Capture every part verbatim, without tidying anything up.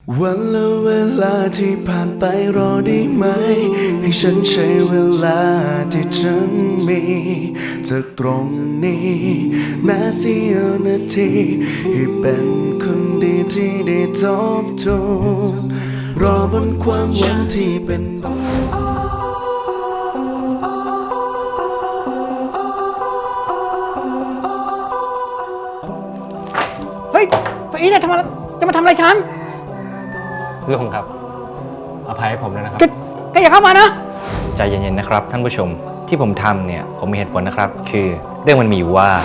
วันและเวลาที่ผ่านไปรอได้ไหมให้ฉันใช้เวลาที่ฉันมีจากตรงนี้แม้เสี้ยวนาทีให้เป็นคนดีที่ได้ทบทวนรอบนความหวังที่เป็นเฮ้ยตัวอีเนี่ยทำไมจะมาทำอะไรฉันลุงครับอภัยให้ผมด้วยนะครับแกแกอย่าเข้ามานะใจเย็นๆนะครับท่านผู้ชมที่ผมทำเนี่ยผมมีเหตุผลนะครับคือเรื่องมันมีอยู่ว่า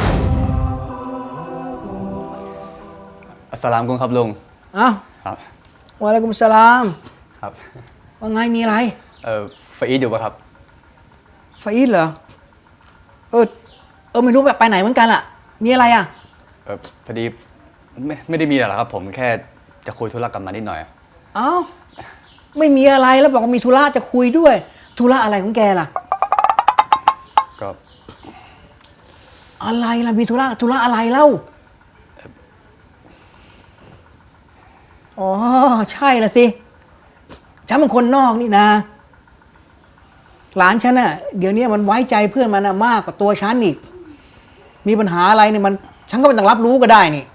อัสสลามุอะลัยกุมครับลุงอ้าวครับวะอะลัยกุมสลามครับว่าไงมีอะไรเออฟาอีดอยู่ปะครับฟาอีดเหรอเออเออไม่รู้แบบไปไหนเหมือนกันล่ะมีอะไรอ่ะเออพอดีไม่ไม่ได้มีอะไรหรอกครับผมแค่จะคุยธุระกับมันนิดหน่อยอ้าวไม่มีอะไรแล้วบอกว่ามีธุระจะคุยด้วยธุระอะไรของแกล่ะก็อะไรล่ะมีธุระธุระอะไรเล่าอ๋อใช่ละสิฉันเป็นคนนอกนี่นะหลานฉันน่ะเดี๋ยวนี้มันไว้ใจเพื่อนมันมากกว่าตัวฉันอีกมีปัญหาอะไรเนี่ยมันฉันก็ไม่ต้องรับรู้ก็ได้นี่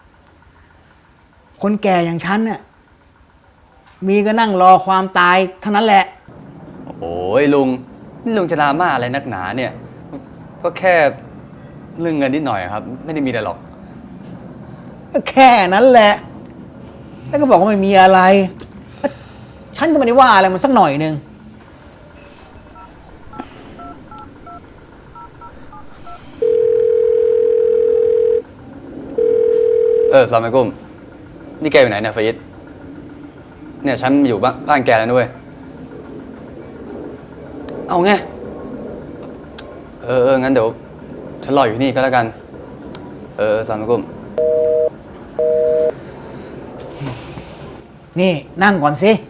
คนแก่อย่างฉันเนี่ยมีก็นั่งรอความตายเท่านั้นแหละโอ้ยลุงนี่ลุงจะดราม่าอะไรนักหนาเนี่ยก็แค่เรื่องเงินนิดหน่อยครับไม่ได้มีอะไรหรอกก็แค่นั้นแหละแล้วก็บอกว่าไม่มีอะไรฉันก็ไม่ได้ว่าอะไรมันสักหน่อยนึงเออสลามอะลัยกุมนี่แกอยู่ไหนเนี่ยฟาอิดเนี่ยฉันอยู่บ้านบ้านแกแล้วด้วยเอาไงเออเอองั้นเดี๋ยวฉันรออยู่นี่ก็แล้วกันเออสลามอะลัยกุมนี่นั่งก่อนสิ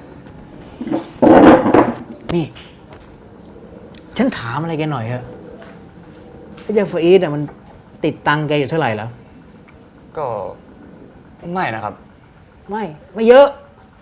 นี่ฉันถามอะไรแกหน่อยเถอะไอ้เจ้าฟาอีดอ่ะมันติดตังค์แกอยู่เท่าไหร่แล้วก็ไม่นะครับไม่ไม่เยอะ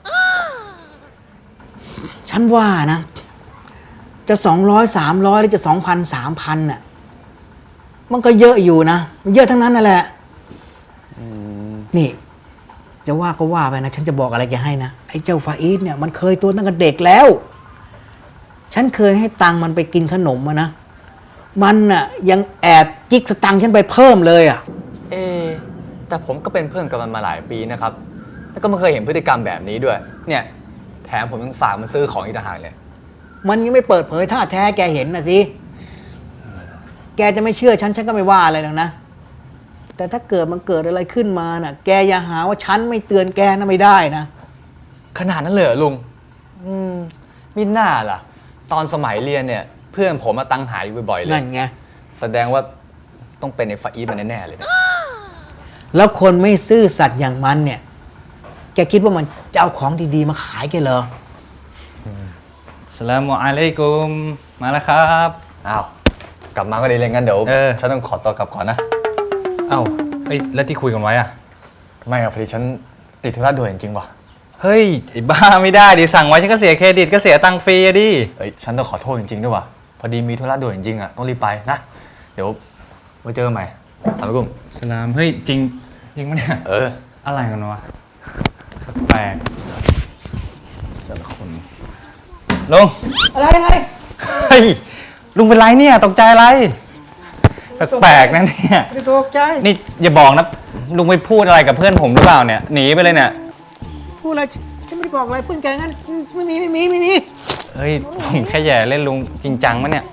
ฉันว่านะจะสองร้อยสามร้อยหรือจะสองพันสามพันน่ะมันก็เยอะอยู่นะมันเยอะทั้งนั้นนั่นแหละนี่จะว่าก็ว่าไปนะฉันจะบอกอะไรแกให้นะไอ้เจ้าฟาอีดเนี่ยมันเคยตัวตั้งแต่เด็กแล้วฉันเคยให้ตังค์มันไปกินขนมมานะมันน่ะยังแอบจิกสตังค์ฉันไปเพิ่มเลยอ่ะเอแต่ผมก็เป็นเพื่อนกับมันมาหลายปีนะครับแล้วก็ไม่เคยเห็นพฤติกรรมแบบนี้ด้วยเนี่ยแถมผมยังฝากมันซื้อของอีกต่างหากเลยมันยังไม่เปิดเผยท่าแท้แกเห็นนะสิแกจะไม่เชื่อฉันฉันก็ไม่ว่าอะไรหรอกนะแต่ถ้าเกิดมันเกิดอะไรขึ้นมาน่ะแกอย่าหาว่าฉันไม่เตือนแกนะไม่ได้นะขนาดนั้นเลยเหรอลุงอืมมิน่าล่ะตอนสมัยเรียนเนี่ยเพื่อนผมมาตั้งหาอยู่บ่อยๆเลยนั่นไงแสดงว่าต้องเป็นในฟาอีดมันแน่ๆเลยนะแล้วคนไม่ซื่อสัตย์อย่างมันเนี่ยแกคิดว่ามันจะเอาของดีๆมาขายแกเหรอสลามุอะลัยกุมมาแล้วครับอ้าวกลับมาก็ดีเลยงั้นเดี๋ยวฉันต้องขอตัวกลับก่อนนะอ้าวเฮ้ยแล้วที่คุยกันไว้อะไม่ครับพอดีฉันติดธุระด่วนจริงๆว่ะเฮ้ยไอ้บ้าไม่ได้ดิสั่งไว้ฉันก็เสียเครดิตก็เสียตังค์ฟรีอะดิเฮ้ยฉันต้องขอโทษจริงๆด้วยว่ะพอดีมีธุระด่วนจริงๆอ่ะต้องรีบไปนะเดี๋ยวไว้เจอกันใหม่สลามอะลัยกุมสลามเฮ้ยจริงจริงมั้ยเนี่ยเอออะไรกันวะแปลกแต่ละคนลุงอะไรอะไรเฮ้ยลุงเป็นไรเนี่ยตกใจอะไรแปลกนะเนี่ยไม่ตกใจนี่อย่าบอกนะลุงไปพูดอะไรกับเพื่อนผมหรือเปล่าเนี่ยหนีไปเลยเนี่ยพูดอะไรฉันไม่ได้บอกอะไรเพื่อนแกงั้นไม่มีไม่มีไม่มีเฮ้ยผมแค่แย่เล่นลุงจริงจังมั้ยเนี่ย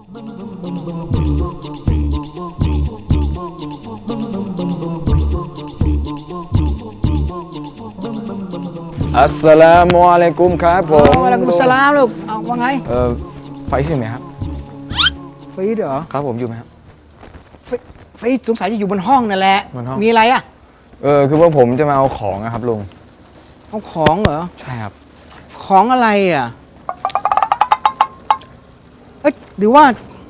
อัสสลามุอะลัยกุมครับผมวะอะลัยกุมสลามลูกเอาว่าไงเออไฟซ์อยู่ไหมครับไฟซ์เหรอครับผมอยู่ไหมครับไฟซ์สงสัยจะอยู่บนห้องนั่นแหละมีอะไรอ่ะเออคือว่าผมจะมาเอาของนะครับลุงเอาของเหรอใช่ครับของอะไรอ่ะเอ้ยหรือว่า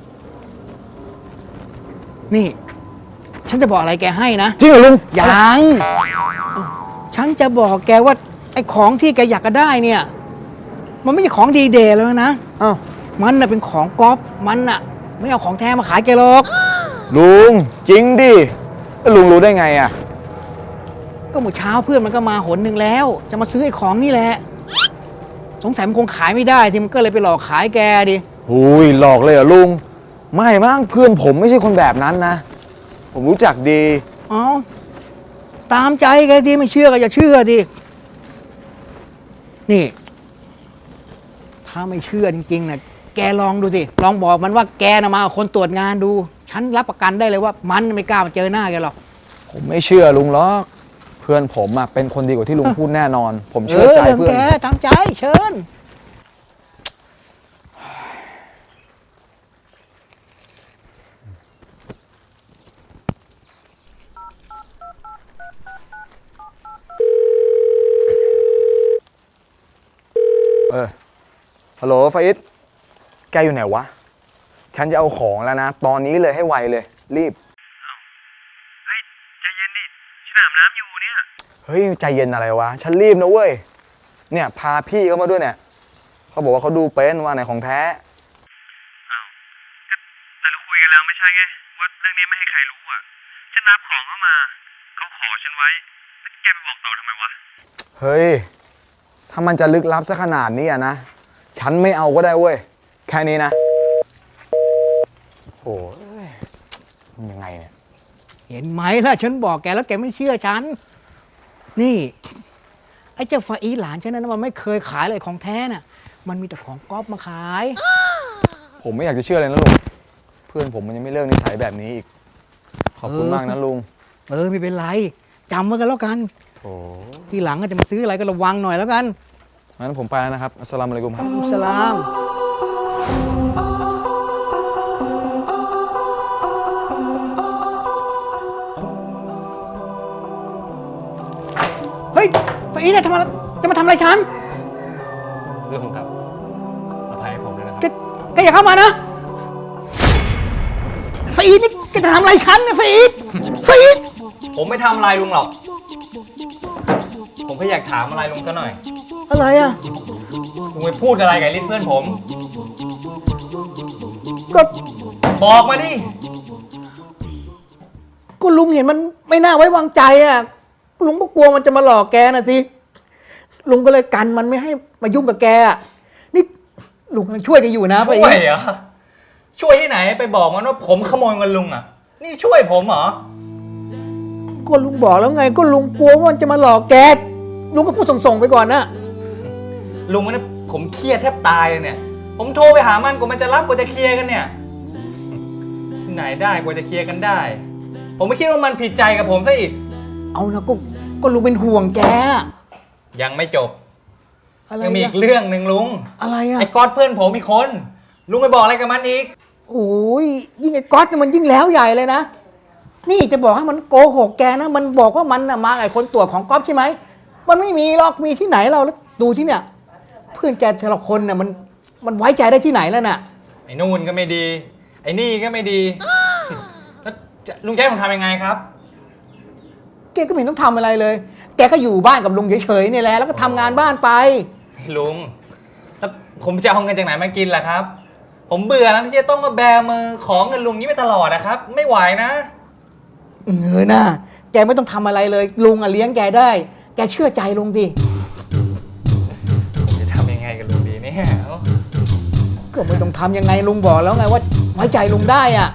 นี่ฉันจะบอกอะไรแกให้นะจริงเหรอลุงยังฉันจะบอกแกว่าอ้ของที่แกอยากจะได้เนี่ย มันไม่ใช่ของดีเดย์แล้วนะอ้าวมันน่ะเป็นของก๊อฟมันน่ะ ไม่เอาของแท้มาขายแกหรอกลุงจริงดิแล้วลุงรู้ได้ไงอ่ะก็เมื่อเช้าเพื่อนมันก็มาหนหนึ่งแล้ว จะมาซื้อไอ้ของนี่แหละ สงสัยมันคงขายไม่ได้ที่มันก็เลยไปหลอกขายแกดิหุยหลอกเลยเหรอลุง ไม่มั้งเพื่อนผมไม่ใช่คนแบบนั้นนะ ผมรู้จักดีอ๋อตามใจแกดิไม่เชื่อก็อย่าเชื่อดินี่ ถ้าไม่เชื่อจริงๆนะแกลองดูสิลองบอกมันว่าแกนะมาเอาคนตรวจงานดู ฉันรับประกันได้เลยว่ามันไม่กล้ามาเจอหน้าแกหรอกผมไม่เชื่อลุงหรอกเพื่อนผมอะเป็นคนดีกว่าที่ลุงพูดแน่นอน ผมเอเชื่ออใจเรื่องเพื่อนแกตามใจเชิญเออฮัลโหลฟาอิสแกอยู่ไหนวะ ฉันจะเอาของแล้วนะ ตอนนี้เลยให้ไวเลย รีบเฮ้ย ใจเย็นดิ ฉันอาบน้ำอยู่เนี่ยเฮ้ย ใจเย็นอะไรวะ ฉันรีบนะเว้ย เนี่ย พาพี่เขามาด้วยเนี่ย เขาบอกว่าเขาดูเป็นว่าไหนของแท้อ้าวก็แต่เราคุยกันแล้วไม่ใช่ไง ว่าเรื่องนี้ไม่ให้ใครรู้อ่ะ ฉันรับของเข้ามา เขาขอฉันไว้ แล้วแกไปบอกต่อทำไมวะเฮ้ย ถ้ามันจะลึกลับซะขนาดนี้อะนะ ฉันไม่เอาก็ได้เว้ย แค่นี้นะ โอ้ยมันยังไงเนี่ยเห็นไหมล่ะฉันบอกแกแล้วแกไม่เชื่อฉัน นี่ ไอ้เจ้าฟาอีหลานฉันนั้นมันไม่เคยขายเลยของแท้น่ะ มันมีแต่ของก๊อฟมาขายผมไม่อยากจะเชื่อเลยนะลุง เพื่อนผมมันยังไม่เลิกนิสัยแบบนี้อีก ขอบคุณมากนะลุงเออไม่เป็นไรจำไว้กันแล้วกันโอ้ทีหลังก็จะมาซื้ออะไรก็ระวังหน่อยแล้วกันงั้นผมไปแล้วนะครับ อัสสลามุอะลัยกุมครับอัสสลามเฮ้ยฟาอีเนี่ยทำอะไรจะมาทำอะไรฉันลุงครับอภัยให้ผมด้วยนะครับแกแกอย่าเข้ามานะฟาอีนี่แกจะทำอะไรฉันเนี่ยฟาอีฟาอีผมไม่ทำอะไรลุงหรอก ผมแค่อยากถามอะไรลุงซะหน่อยอะไรอ่ะลุงไปพูดอะไรกับลิ้นเพื่อนผมก็บอกมาดิก็ลุงเห็นมันไม่น่าไว้วางใจอ่ะลุงก็กลัวมันจะมาหลอกแกนะสิลุงก็เลยกันมันไม่ให้มายุ่งกับแกอ่ะนี่ลุงกำลังช่วยแกันอยู่นะฟาอีช่วยเหรอ ช่วยที่ไหนไปบอกมันว่าผมขโมยเงินลุงอ่ะ นี่ช่วยผมเหรอก็ลุงบอกแล้วไง ก็ลุงกลัวว่ามันจะมาหลอกแกลุงก็พูดส่งๆไปก่อนนะลุงเนี่ยผมเครียดแทบตายเลยเนี่ย ผมโทรไปหามันกว่ามันจะรับกว่าจะเคลียร์กันเนี่ย ที่ไหนได้กว่าจะเคลียร์กันได้ ผมไม่คิดว่ามันผิดใจกับผมซะอีกเอานะก็ก็ลุงเป็นห่วงแกยังไม่จบอะไรยังมีอีอะกเรื่องหนึ่งลุงอะไรอ่ะไอ้ก๊อตเพื่อนผมอีกคน ลุงไปบอกอะไรกับมันอีกโอ้ยยิ่งไอ้ก๊อตเนี่ยมันยิ่งแล้วใหญ่เลยนะนี่จะบอกให้มันโกหกแกนะมันบอกว่ามันน่ะมาไอ้คนตรวจของก๊อฟใช่ไหมมันไม่มีหรอกมีที่ไหนเราแล้วดูที่เนี่ย เพื่อนแกแต่ละคนน่ะมันมันไว้ใจได้ที่ไหนแล้วน่ะไอ้นู่นก็ไม่ดี ไอ้นี่ก็ไม่ดี แล้วจะลุงจะให้ผมทำยังไงครับแกก็ไม่เห็นต้องทำอะไรเลย แกก็อยู่บ้านกับลุงเฉยๆนี่แหละแล้วก็ทำงานบ้านไปลุง แล้วผมจะเอาเงินจากไหนมากินล่ะครับ ผมเบื่อแล้วที่จะต้องมาแบมือของเงินลุงนี้ไปตลอดนะครับ ไม่ไหวนะเงยหน้าแกไม่ต้องทำอะไรเลยลุงอ่ะเลี้ยงแกได้ แกเชื่อใจลุงสิผมจะทำยังไงกับลุงดีเนี่ยก็ไม่ต้องทำยังไงลุงบอกแล้วไงว่าไว้ใจลุงได้อ่ะ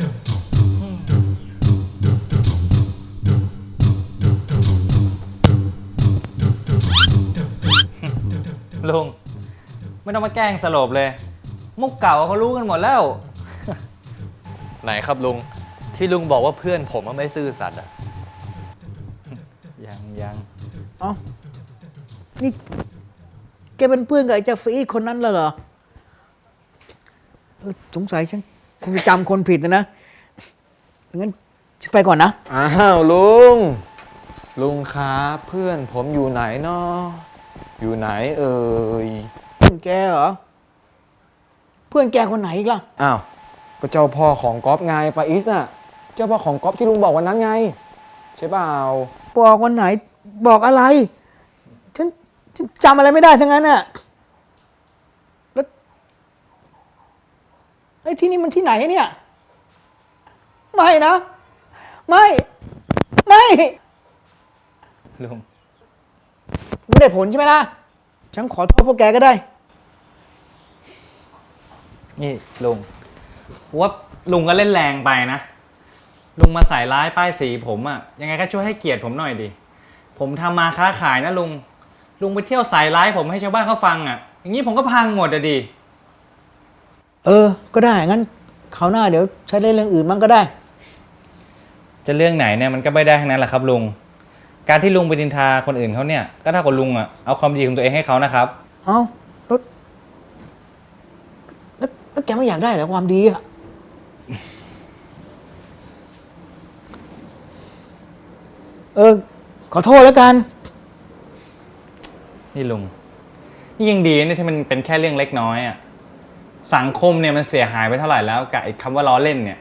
ลุง ไม่ต้องมาแกล้งสลบเลย มุกเก่าเขารู้กันหมดแล้วไหนครับลุงที่ลุงบอกว่าเพื่อนผมว่าไม่ซื่อสัตย์อ่ะยังยังเอ้านี่แกเป็นเพื่อนกับไอ้เจ้าฟรีดคนนั้นแล้วเหรอเออสงสัยฉันคงจะจำคนผิดนะนะงั้นฉันไปก่อนนะอ้าวลุง ลุงครับเพื่อนผมอยู่ไหนเนาะอยู่ไหนเอ่ยเพื่อนแกเหรอ เพื่อนแกคนไหนอีกล่ะอ้าว ก็เจ้าพ่อของก๊อฟไงฟาอิสน่ะ เจ้าพ่อของก๊อฟที่ลุงบอกวันนั้นไง ใช่เปล่าบอกวันไหนบอกอะไร ฉันฉันจำอะไรไม่ได้ทั้งนั้นน่ะแล้วไอ้ที่นี่มันที่ไหนเนี่ย ไม่นะ ไม่ ไม่ลุงไม่ได้ผลใช่ไหมล่ะ ฉันขอโทษพวกแกก็ได้นี่ลุงว่าลุงก็เล่นแรงไปนะ ลุงมาใส่ร้ายป้ายสีผมอะยังไงก็ช่วยให้เกียรติผมหน่อยดิ ผมทำมาค้าขายนะลุง ลุงไปเที่ยวใส่ร้ายผมให้ชาวบ้านเขาฟังอะอย่างนี้ผมก็พังหมดอะดิเออ ก็ได้ งั้นคราวหน้าเดี๋ยวใช้เล่นเรื่องอื่นมั่งก็ได้จะเรื่องไหนเนี่ยมันก็ไม่ได้ทั้งนั้นแหละครับลุง การที่ลุงไปดินทาคนอื่นเขาเนี่ยก็เท่ากับลุงอะเอาความดีของตัวเองให้เขานะครับเอ้าแล้วแล้วแล้วแกไม่อยากได้เหรอความดีอะเออ ขอโทษแล้วกันนี่ลุง นี่ยังดีเนี่ยที่มันเป็นแค่เรื่องเล็กน้อยอะสังคมเนี่ยมันเสียหายไปเท่าไหร่แล้วกับไอ้คำว่าล้อเล่นเนี่ย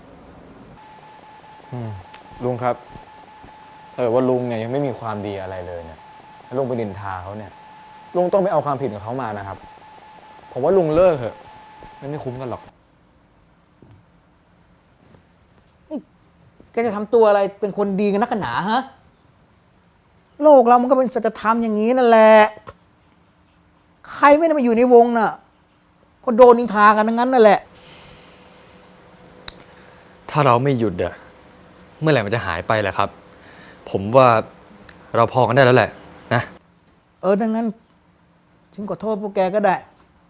ลุงครับถ้าเกิดว่าลุงเนี่ยยังไม่มีความดีอะไรเลยเนี่ยแล้วลุงไปดินทาเขาเนี่ย ลุงต้องไปเอาความผิดของเขามานะครับ ผมว่าลุงเลิกเถอะมันไม่คุ้มกันหรอกแกจะทำตัวอะไรเป็นคนดีกันนักกันหนาฮะ โลกเรามันก็เป็นสัจธรรมอย่างนี้นั่นแหละ ใครไม่ได้มาอยู่ในวงน่ะ ก็โดนนินทากันทั้งนั้นนั่นแหละถ้าเราไม่หยุดอะเมื่อไหร่มันจะหายไปแหละครับ ผมว่าเราพอกันได้แล้วแหละนะเออดังนั้น ฉันขอโทษพวกแกก็ได้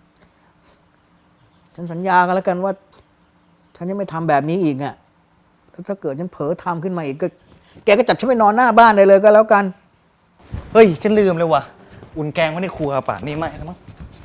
ฉันสัญญากันแล้วกันว่า ฉันจะไม่ทำแบบนี้อีกอ่ะ แล้วถ้าเกิดฉันเผลอทำขึ้นมาอีกก็ แกก็จับฉันไปนอนหน้าบ้านได้เลยก็แล้วกันเฮ้ย ฉันลืมเลยว่ะ อุ่นแกงไว้ในครัวป่ะนี่ไม่แล้วมั้ง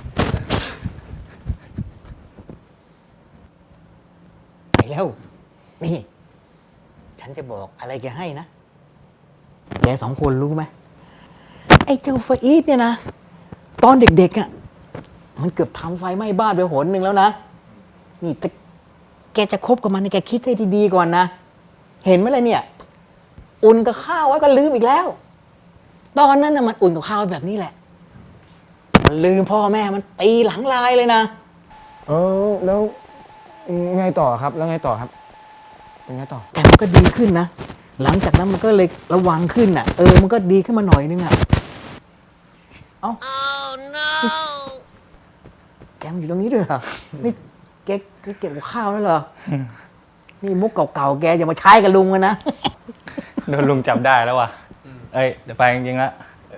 ไปแล้ว นี่ ฉันจะบอกอะไรแกให้นะ แกสองคนรู้ไหม ไอ้เจ้าฟาอีดเนี่ยนะ ตอนเด็กๆอ่ะ มันเกือบทำไฟไหม้บ้านไปหนหนึ่งแล้วนะ นี่แต่แกจะคบกับมันเนี่ยแกคิดให้ดีๆก่อนนะ เห็นไหมล่ะเนี่ย อุ่นกับข้าวไว้ก็ลืมอีกแล้ว ตอนนั้นน่ะมันอุ่นกับข้าวไว้แบบนี้แหละ มันลืมพ่อแม่มันตีหลังลายเลยนะเออแล้วไงต่อครับ แล้วไงต่อครับเป็นไงต่อแต่มันก็ดีขึ้นนะ หลังจากนั้นมันก็เลยระวังขึ้นน่ะ เออ มันก็ดีขึ้นมาหน่อยนึงอ่ะ เอ้า oh, no. แกมันอยู่ตรงนี้ด้วยเหรอ นี่แกแกเก็บกับข้าวแล้วเหรอ นี่มุกเก่าๆ แกอย่ามาใช้กับลุงกันนะโดนลุงจับได้แล้วว่ะ เอ้ยจะไปจริงๆแล้ว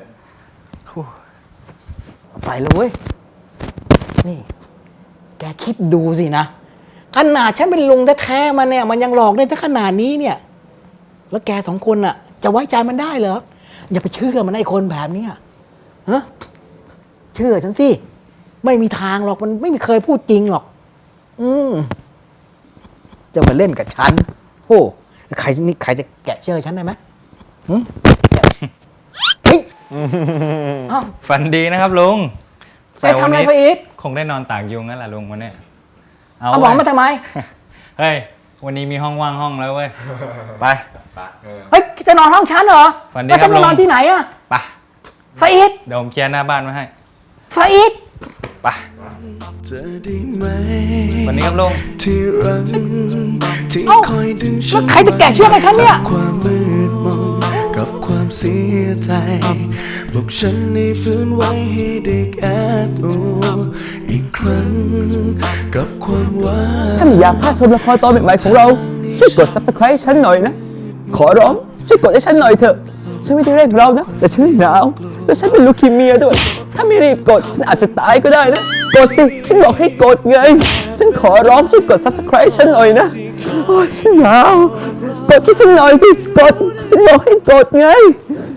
ไปเลยเว้ย นี่ แกคิดดูสินะ ขนาดฉันเป็นลุงแท้ๆมันเนี่ย มันยังหลอกได้ถึงขนาดนี้เนี่ย แล้วแกสองคนน่ะ จะไว้ใจมันได้เหรอ อย่าไปเชื่อมันไอ้คนแบบเนี้ยฮะเชื่อฉันสิ ไม่มีทางหรอก มันไม่มีเคยพูดจริงหรอก อืมจะมาเล่นกับฉันโอ้ใครนี่ใครจะแกะเชื่อฉันได้ไหมหึเฮ้ยเอ้าฝันดีนะครับลุงแกทำอะไรไปอีกคงได้นอนตากยุงนั่นแหละลุงวันเนี้ยเอาหมองมาทำไมเฮ้ย วันนี้มีห้องว่างห้องแล้วเว้ย ไปเฮ้ยจะนอนห้องฉันเหรอฝันดีแล้วฉันครับจะนอนลุงที่ไหนอะไปฟาอิดเดี๋ยวผมเคลียร์หน้าบ้านไว้ให้ฟาอิดไปเธอได้ไหมวันนี้ครับลุงที่รักที่เอ้าคอยดึงฉัแล้วนใครจะแกะเชือกให้ฉันเนี่ยความมืดมนกับความเสียใจปลุกฉันให้ฟื้นไว้ให้ได้แก้ตัวอีกครั้งกับความหวานถ้าไม่อยากพลาดชมละครตอนใหม่ๆของเรา ช่วยกด ซับสไครบ์ ฉันหน่อยนะ ขอร้องช่วยกดให้ฉันหน่อยเถอะ ฉันไม่ได้เร่งเรานะ แต่ฉันหนาว แล้วฉันเป็นลูคีเมียด้วย ถ้าไม่รีบกด ฉันอาจจะตายก็ได้นะ กดสิ ฉันบอกให้กดไง ฉันขอร้องช่วยกด ซับสไครบ์ ฉันหน่อยนะ โอ้ยฉันหนาว กดให้ฉันหน่อยสิ กด ฉันบอกให้กดไง